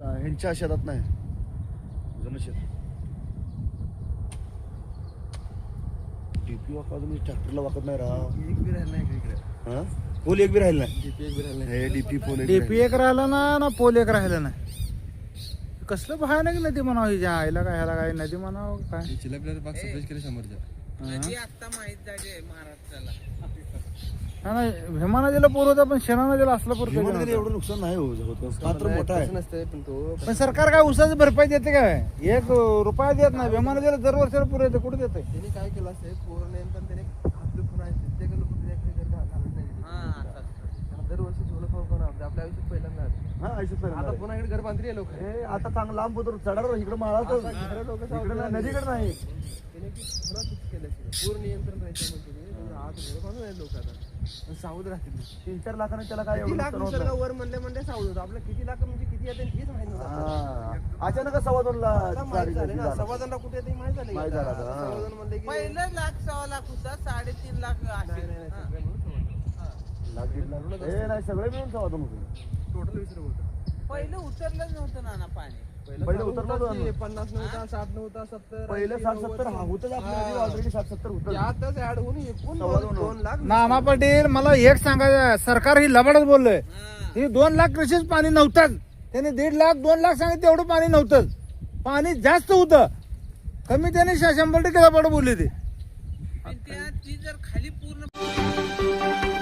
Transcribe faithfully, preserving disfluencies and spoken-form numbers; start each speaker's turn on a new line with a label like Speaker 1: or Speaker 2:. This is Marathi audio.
Speaker 1: ह्यांच्या शेतात नाही जुनं शेत डीपी वाका अजून ट्रॅक्टरला वाकत नाही राव.
Speaker 2: एक बी राहिला नाही इकडे.
Speaker 1: हा पोल एक बी राहील नाही.
Speaker 2: डीपी एक बी राहिला नाही.
Speaker 1: हे डीपी पोल एक
Speaker 3: डीपी एक राहिला ना ना पोल एक राहिला नाही. कसलं भयानक नदी म्हणावं हिच्या आईला काय ह्याला काय नदी म्हणावं काय.
Speaker 2: हे चिलापिला बाग सप्लाय केले समोरच्या.
Speaker 4: नदी आता माहित झाली महाराष्ट्राला.
Speaker 3: हा ना भीमा नदीला पूर होता पण शेणा नदीला असला पूर
Speaker 1: भीमा
Speaker 3: कधी
Speaker 1: नदीला
Speaker 3: नव्हता.
Speaker 1: एवढं नुकसान नाही होत. पात्र मोठा आहे.
Speaker 2: तसं नसतंय पण तो
Speaker 3: पण सरकार काय उसाची भरपाई देते काय एक रुपया देत नाही. भीमा नदीला दर वर्षाला पूर येते कुठे देते.
Speaker 2: त्याने काय केलं असेल पूर्ण नंतर त्याने आपले पुन्हा ते लोक घालत नाही.
Speaker 4: हा असं असतं.
Speaker 2: त्यांना दरवर्षी झोलं खाऊ खाऊ आपल्या आपल्या आयुष्यात पहिल्यांदा आलं.
Speaker 1: हा आयुष्यात
Speaker 2: आता
Speaker 1: पहिल्यांदा.
Speaker 2: पुन्हा इकडे घर बांधली लोक
Speaker 1: हे आता चांगलं लांब होतं चढावर इकडे माळा नदीकडे नाही.
Speaker 2: त्याने की पुन्हा फिक्स केलं पूर्ण नियंत्रण राहायचं म्हणजे आज घर बांधून आहे लोक आता पण सावध राहतील.
Speaker 1: तीन चार लाखाने त्याला काय
Speaker 2: किती
Speaker 1: एवढं
Speaker 2: लाख
Speaker 1: नुकसान होत
Speaker 2: निसर्ग
Speaker 1: नाही.
Speaker 2: वर म्हणले म्हणले सावध होतं. आपलं किती लाख म्हणजे किती येते हेच माहित नव्हतं.
Speaker 1: हा. अचानक सव्वा दोन
Speaker 2: आता
Speaker 1: लाख
Speaker 2: माहित झाले ना सव्वाजणला कुठे येते माहित झाले.
Speaker 1: माहित झालं आता, हा.
Speaker 2: सव्वाजण म्हणले की
Speaker 4: पहिलं लाख सव्वा लाख होता साडेतीन लाख
Speaker 2: नाही
Speaker 4: असेल.
Speaker 2: नाही नाही
Speaker 4: हा.
Speaker 2: सगळे म्हणून सव्वाजण.
Speaker 1: लाख दीड लाख हे नाही सगळे मिळून सव्वा दोन होते.
Speaker 2: टोटल वीस रुपये होतं.
Speaker 4: पहिलं उतरलंच नव्हतं नाना पाणी.
Speaker 2: पहिलं
Speaker 1: पहिलं
Speaker 2: चालू
Speaker 1: उतरलं
Speaker 2: होतं
Speaker 1: होतं
Speaker 2: की
Speaker 1: ना.
Speaker 2: पन्नास नव्हता साठ नव्हता सत्तर
Speaker 1: पहिले
Speaker 2: ऐंशी,
Speaker 1: साठ
Speaker 2: नव्वद,
Speaker 1: सत्तर हा होतच आपल्या ऑलरेडी साठ सत्तर होतं.
Speaker 2: यातच ऍड होऊन एकूण
Speaker 1: सव्वा
Speaker 2: दोन
Speaker 1: दोन
Speaker 2: दोन लाख
Speaker 3: नाना पाटील मला एक सांगायचं सरकार ही लबाडच बोललंय.
Speaker 4: हा.
Speaker 3: ही दोन लाख कृषीच पाणी नव्हतंच. त्याने दीड लाख दोन लाख सांगितलं तेवढं पाणी नव्हतंच. पाणी जास्त होतं कमी त्याने शंभर टक्के लबाड बोलले ते.
Speaker 4: पण त्या ती जर खाली पूर्ण